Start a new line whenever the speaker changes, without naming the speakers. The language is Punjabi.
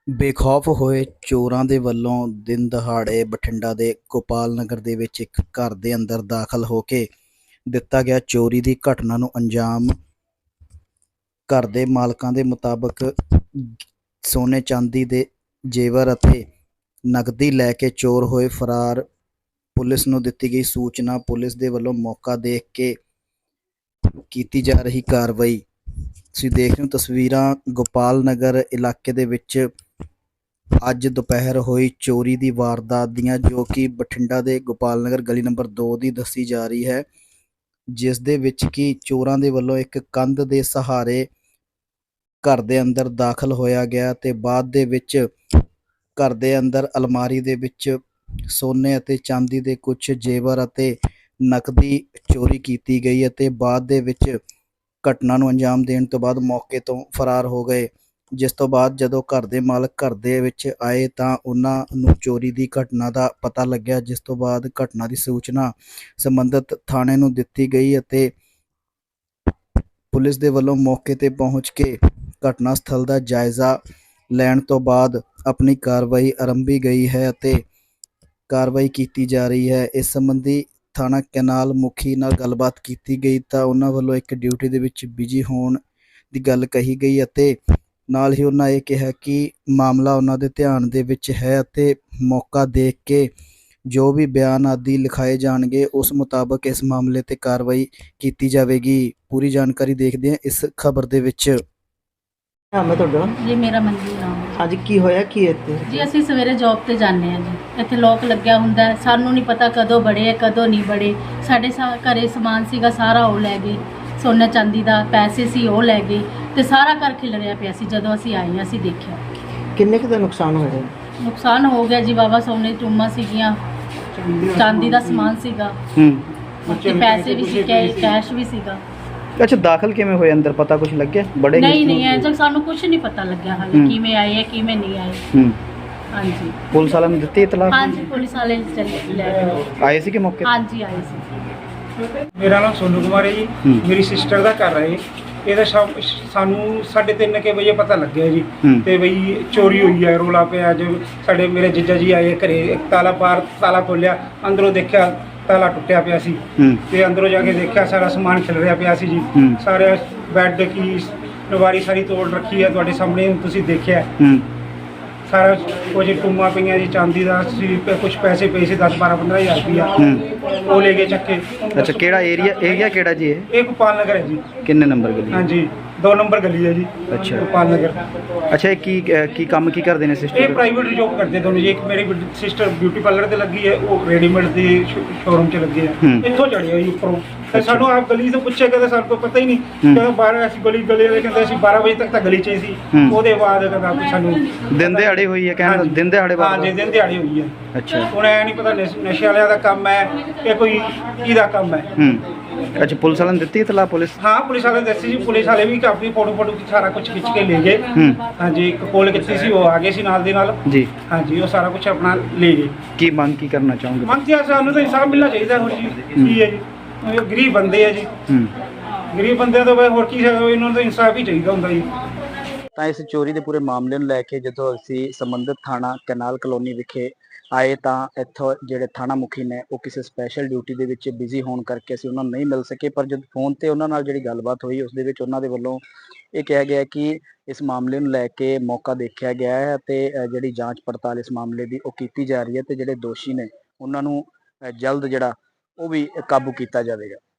ਬੇਖੌਫ ਹੋਏ ਚੋਰਾਂ ਦੇ ਵੱਲੋਂ ਦਿਨ ਦਹਾੜੇ ਬਠਿੰਡਾ ਦੇ ਗੋਪਾਲ ਨਗਰ ਦੇ ਵਿੱਚ ਇੱਕ ਘਰ ਦੇ ਅੰਦਰ ਦਾਖਲ ਹੋ ਕੇ ਦਿੱਤਾ ਗਿਆ ਚੋਰੀ ਦੀ ਘਟਨਾ ਨੂੰ ਅੰਜਾਮ। ਘਰ ਦੇ ਮਾਲਕਾਂ ਦੇ ਮੁਤਾਬਕ ਸੋਨੇ ਚਾਂਦੀ ਦੇ ਜੇਵਰ ਅਤੇ ਨਕਦੀ ਲੈ ਕੇ ਚੋਰ ਹੋਏ ਫਰਾਰ। ਪੁਲਿਸ ਨੂੰ ਦਿੱਤੀ ਗਈ ਸੂਚਨਾ। ਪੁਲਿਸ ਦੇ ਵੱਲੋਂ ਮੌਕਾ ਦੇਖ ਕੇ ਕੀਤੀ ਜਾ ਰਹੀ ਕਾਰਵਾਈ। ਤੁਸੀਂ ਦੇਖ ਰਹੇ ਹੋ ਤਸਵੀਰਾਂ ਗੋਪਾਲ ਨਗਰ ਇਲਾਕੇ ਦੇ ਵਿੱਚ ਅੱਜ ਦੁਪਹਿਰ ਹੋਈ ਚੋਰੀ ਦੀ ਵਾਰਦਾਤ ਦੀਆਂ, ਜੋ ਕਿ ਬਠਿੰਡਾ ਦੇ ਗੋਪਾਲ ਨਗਰ ਗਲੀ ਨੰਬਰ 2 ਦੀ ਦੱਸੀ ਜਾ ਰਹੀ ਹੈ, ਜਿਸ ਦੇ ਵਿੱਚ ਕਿ ਚੋਰਾਂ ਦੇ ਵੱਲੋਂ ਇੱਕ ਕੰਧ ਦੇ ਸਹਾਰੇ ਘਰ ਦੇ ਅੰਦਰ ਦਾਖਲ ਹੋਇਆ ਗਿਆ ਤੇ ਬਾਅਦ ਦੇ ਵਿੱਚ ਘਰ ਦੇ ਅੰਦਰ ਅਲਮਾਰੀ ਦੇ ਵਿੱਚ ਸੋਨੇ ਅਤੇ ਚਾਂਦੀ ਦੇ ਕੁਝ ਜੇਵਰ ਅਤੇ ਨਕਦੀ ਚੋਰੀ ਕੀਤੀ ਗਈ ਅਤੇ ਬਾਅਦ ਦੇ ਵਿੱਚ ਘਟਨਾ ਨੂੰ ਅੰਜਾਮ ਦੇਣ ਤੋਂ ਬਾਅਦ ਮੌਕੇ ਤੋਂ ਫਰਾਰ ਹੋ ਗਏ। ਜਿਸ ਤੋਂ ਬਾਅਦ ਜਦੋਂ ਘਰ ਦੇ ਮਾਲਕ ਘਰ ਦੇ ਵਿੱਚ ਆਏ ਤਾਂ ਉਹਨਾਂ ਨੂੰ ਚੋਰੀ ਦੀ ਘਟਨਾ ਦਾ ਪਤਾ ਲੱਗਿਆ, ਜਿਸ ਤੋਂ ਬਾਅਦ ਘਟਨਾ ਦੀ ਸੂਚਨਾ ਸੰਬੰਧਿਤ ਥਾਣੇ ਨੂੰ ਦਿੱਤੀ ਗਈ ਅਤੇ ਪੁਲਿਸ ਦੇ ਵੱਲੋਂ ਮੌਕੇ ਤੇ ਪਹੁੰਚ ਕੇ ਘਟਨਾ ਸਥਲ ਦਾ ਜਾਇਜ਼ਾ ਲੈਣ ਤੋਂ ਬਾਅਦ ਆਪਣੀ ਕਾਰਵਾਈ ਆਰੰਭੀ ਗਈ ਹੈ ਅਤੇ ਕਾਰਵਾਈ ਕੀਤੀ ਜਾ ਰਹੀ ਹੈ। ਇਸ ਸੰਬੰਧੀ ਥਾਣਾ ਕੈਨਾਲ ਮੁਖੀ ਨਾਲ ਗੱਲਬਾਤ ਕੀਤੀ ਗਈ ਤਾਂ ਉਹਨਾਂ ਵੱਲੋਂ ਇੱਕ ਡਿਊਟੀ ਦੇ ਵਿੱਚ ਬਿਜੀ ਹੋਣ ਦੀ ਗੱਲ ਕਹੀ ਗਈ ਅਤੇ ਨਾਲ ਹੀ ਉਹਨਾਂ ਇਹ ਕਿਹਾ ਕਿ ਮਾਮਲਾ ਉਹਨਾਂ ਦੇ ਧਿਆਨ ਦੇ ਵਿੱਚ ਹੈ ਅਤੇ ਮੌਕਾ ਦੇਖ ਕੇ ਜੋ ਵੀ ਬਿਆਨ ਆਦਿ ਲਿਖਾਏ ਜਾਣਗੇ ਉਸ ਮੁਤਾਬਕ ਇਸ ਮਾਮਲੇ ਤੇ ਕਾਰਵਾਈ ਕੀਤੀ ਜਾਵੇਗੀ। ਪੂਰੀ ਜਾਣਕਾਰੀ ਦੇਖਦੇ ਹਾਂ ਇਸ ਖਬਰ ਦੇ ਵਿੱਚ।
ਮੈਂ ਤੁਹਾਡਾ
ਜੀ ਮੇਰਾ ਮਨਜੀਤ ਨਾਮ ਹੈ।
ਅੱਜ ਕੀ ਹੋਇਆ ਕੀ ਇੱਥੇ?
ਜੀ ਅਸੀਂ ਸਵੇਰੇ ਜੌਬ ਤੇ ਜਾਂਦੇ ਹਾਂ ਜੀ। ਇੱਥੇ ਲੋਕ ਲੱਗਿਆ ਹੁੰਦਾ ਹੈ, ਸਾਨੂੰ ਨਹੀਂ ਪਤਾ ਕਦੋਂ ਬੜੇ ਕਦੋਂ ਨਹੀਂ ਬੜੇ। ਸਾਡੇ ਘਰੇ ਸਮਾਨ ਸੀਗਾ ਸਾਰਾ ਉਹ ਲੈ ਗਏ, ਸੋਨਾ ਚਾਂਦੀ ਦਾ ਪੈਸੇ ਸੀ ਉਹ ਲੈ ਗਏ ਤੇ ਸਾਰਾ ਘਰ ਖਿਲਰਿਆ ਪਿਆ ਸੀ। ਜਦੋਂ ਅਸੀਂ ਆਏ ਅਸੀਂ ਦੇਖਿਆ।
ਕਿੰਨੇ ਕੁ ਦਾ ਨੁਕਸਾਨ ਹੋਇਆ?
ਨੁਕਸਾਨ ਹੋ ਗਿਆ ਜੀ ਵਾਵਾ। ਸੋਨੇ ਟੂਮਾਂ ਸੀਗੀਆਂ, ਚਾਂਦੀ ਦਾ ਸਮਾਨ ਸੀਗਾ ਤੇ ਪੈਸੇ ਵੀ ਸੀ, ਕੈਸ਼ ਵੀ ਸੀਗਾ।
ਅੱਛਾ, ਦਾਖਲ ਕਿਵੇਂ ਹੋਏ ਅੰਦਰ, ਪਤਾ ਕੁਝ ਲੱਗਿਆ? ਬੜੇ
ਨਹੀਂ ਅਜੇ ਤੱਕ ਸਾਨੂੰ ਕੁਝ ਨਹੀਂ ਪਤਾ ਲੱਗਿਆ ਹਾਲੇ ਕਿਵੇਂ ਆਏ ਹੈ ਕਿਵੇਂ ਨਹੀਂ ਆਏ। ਹਾਂਜੀ,
ਪੁਲਿਸ ਵਾਲਿਆਂ ਨੂੰ ਦਿੱਤੀ ਇਤਲਾਹ?
ਹਾਂਜੀ, ਪੁਲਿਸ ਵਾਲੇ ਲੈ ਗਏ।
ਆਏ ਸੀ ਕਿ ਮੌਕੇ?
ਹਾਂਜੀ ਆਏ ਸੀ।
ਮੇਰਾ ਨਾਮ ਸੋਨੂ ਕੁਮਾਰ ਹੈ ਜੀ। ਮੇਰੀ ਸਿਸਟਰ ਦਾ ਘਰ ਹੈ। ਇਹਦਾ ਸਾਨੂੰ 3:30 ਵਜੇ ਪਤਾ ਲੱਗਿਆ ਜੀ ਤੇ ਬਈ ਚੋਰੀ ਹੋਈ ਹੈ, ਰੋਲਾ ਪਿਆ। ਜੋ ਸਾਡੇ ਮੇਰੇ ਜੀਜਾ ਜੀ ਆਏ ਘਰੇ, ਇੱਕ ਤਾਲਾ ਖੋਲਿਆ, ਅੰਦਰੋਂ ਦੇਖਿਆ ਤਾਲਾ ਟੁੱਟਿਆ ਪਿਆ ਸੀ ਤੇ ਅੰਦਰੋਂ ਜਾ ਕੇ ਦੇਖਿਆ ਸਾਰਾ ਸਮਾਨ ਖਿਲਰਿਆ ਪਿਆ ਸੀ ਜੀ। ਸਾਰੇ ਬੈੱਡ ਕੀ ਨਵਾਰੀ ਸਾਰੀ ਤੋੜ ਰੱਖੀ ਹੈ, ਤੁਹਾਡੇ ਸਾਹਮਣੇ ਤੁਸੀਂ ਦੇਖਿਆ ਸਾਰਾ ਕੁਝ। ਟੂਮਾਂ ਪਈਆਂ ਜੀ, ਚਾਂਦੀ ਦਾ ਸੀ, ਕੁਝ ਪੈਸੇ ਪਏ ਸੀ 10-12-15 ਹਜ਼ਾਰ ਰੁਪਇਆ, ਉਹ ਲੈ ਕੇ ਚੱਕੇ।
ਅੱਛਾ, ਕਿਹੜਾ ਏਰੀਆ ਕਿਹੜਾ ਜੀ?
ਇਹ ਗੋਪਾਲ ਨਗਰ ਹੈ ਜੀ।
ਕਿੰਨੇ ਨੰਬਰ ਗਲੀ?
ਹਾਂਜੀ, 2 ਨੰਬਰ ਗਲੀ ਹੈ ਜੀ।
ਅੱਛਾ,
ਗੋਪਾਲ ਨਗਰ।
ਅੱਛਾ, ਇਹ ਕੀ ਕੰਮ ਕੀ ਕਰਦੇ ਨੇ ਸਿਸਟਰ?
ਇਹ ਪ੍ਰਾਈਵੇਟ ਜੋਬ ਕਰਦੇ ਦੋਨੋਂ ਜੀ। ਇੱਕ ਮੇਰੀ ਸਿਸਟਰ ਬਿਊਟੀ ਪਾਰਲਰ ਤੇ ਲੱਗੀ ਹੈ, ਉਹ ਰੈਡੀਮੇਡ ਦੀ ਸ਼ੋਰੂਮ 'ਚ ਲੱਗੇ ਆ। ਇੱਥੋਂ ਚੜ੍ਹੇ ਹੋਈ ਉੱਪਰੋਂ ਤੇ ਸਾਨੂੰ ਆਪ ਗਲੀ ਤੋਂ ਪੁੱਛਿਆ, ਕਹਿੰਦਾ ਸਾਨੂੰ ਕੋਈ ਪਤਾ ਹੀ ਨਹੀਂ। ਕਹਿੰਦਾ 12 ਅਸੀਂ ਗਲੀ ਵਾਲੇ ਕਹਿੰਦੇ ਅਸੀਂ 12 ਵਜੇ ਤੱਕ ਤਾਂ ਗਲੀ 'ਚ ਹੀ ਸੀ। ਉਹਦੇ ਬਾਅਦ ਕਹਿੰਦਾ ਸਾਨੂੰ
ਦਿਨ ਦਿਹਾੜੇ ਹੋਈ ਹੈ? ਕਹਿੰਦਾ ਦਿਨ ਦਿਹਾੜੇ ਬਾਅਦ?
ਹਾਂ ਜੀ, ਦਿਨ ਦਿਹਾੜੀ ਹੋਈ ਹੈ।
ਅੱਛਾ,
ਹੁਣ ਐ ਨਹੀਂ ਪਤਾ ਨਸ਼ੇ ਵਾਲਿਆਂ ਦਾ ਕੰਮ ਹੈ ਕਿ ਕੋਈ ਕਿਹਦਾ ਕੰਮ ਹੈ।
ਅੱਛਾ, ਪੁਲਿਸ ਵਾਲਿਆਂ ਨੇ ਦਿੱਤੀ ਇਤਲਾਹ? ਪੁਲਿਸ?
ਹਾਂ, ਪੁਲਿਸ ਵਾਲੇ ਦੱਸੀ ਸੀ। ਪੁਲਿਸ ਵਾਲੇ ਵੀ ਆਪਣੀ ਫੋਟੋ ਸਾਰਾ ਕੁਝ ਖਿੱਚ ਕੇ ਲੈ ਗਏ। ਹਾਂਜੀ, ਇੱਕ ਕੋਲ ਕੀਤੀ ਸੀ, ਉਹ ਆ ਗਏ ਸੀ ਨਾਲ ਦੇ ਨਾਲ
ਜੀ।
ਹਾਂਜੀ, ਉਹ ਸਾਰਾ ਕੁਝ ਆਪਣਾ ਲੈ ਗਏ।
ਕੀ ਮੰਗ ਕੀ ਕਰਨਾ ਚਾਹੋਗੇ?
ਮੰਗ ਜੀ ਸਾਨੂੰ ਤਾਂ ਇਨਸਾਫ ਮਿਲਣਾ ਚਾਹੀਦਾ। ਹੋਰ ਜੀ ਕੀ ਹੈ ਜੀ, ਇਹ ਗਰੀਬ ਬੰਦੇ ਆ ਜੀ। ਗਰੀਬ ਬੰਦਿਆਂ ਤੋਂ ਹੋਰ ਕੀ ਹੈ, ਇਹਨਾਂ ਨੂੰ ਤਾਂ ਇਨਸਾਫ ਹੀ ਚਾਹੀਦਾ ਹੁੰਦਾ ਜੀ।
ਤਾਂ ਇਸ ਚੋਰੀ ਦੇ ਪੂਰੇ ਮਾਮਲੇ ਨੂੰ ਲੈ ਕੇ ਜਦੋਂ ਅਸੀਂ ਸੰਬੰਧਿਤ ਥਾਣਾ ਕੈਨਾਲ ਕਲੋਨੀ ਵਿਖੇ ਆਏ ਤਾਂ ਇੱਥੋਂ ਜਿਹੜੇ ਥਾਣਾ ਮੁਖੀ ਨੇ ਉਹ ਕਿਸੇ ਸਪੈਸ਼ਲ ਡਿਊਟੀ ਦੇ ਵਿੱਚ ਬਿਜ਼ੀ ਹੋਣ ਕਰਕੇ ਅਸੀਂ ਉਹਨਾਂ ਨੂੰ ਨਹੀਂ ਮਿਲ ਸਕੇ। ਪਰ ਜਦ ਫੋਨ ਤੇ ਉਹਨਾਂ ਨਾਲ ਜਿਹੜੀ ਗੱਲਬਾਤ ਹੋਈ ਉਸ ਦੇ ਵਿੱਚ ਉਹਨਾਂ ਦੇ ਵੱਲੋਂ ਇਹ ਕਿਹਾ ਗਿਆ ਕਿ ਇਸ ਮਾਮਲੇ ਨੂੰ ਲੈ ਕੇ ਮੌਕਾ ਦੇਖਿਆ ਗਿਆ ਹੈ ਅਤੇ ਜਿਹੜੀ ਜਾਂਚ ਪੜਤਾਲ ਇਸ ਮਾਮਲੇ ਦੀ ਉਹ ਕੀਤੀ ਜਾ ਰਹੀ ਹੈ ਤੇ ਜਿਹੜੇ ਦੋਸ਼ੀ ਨੇ ਉਹਨਾਂ ਨੂੰ ਜਲਦ ਜਿਹੜਾ ਉਹ ਵੀ ਕਾਬੂ ਕੀਤਾ ਜਾਵੇਗਾ।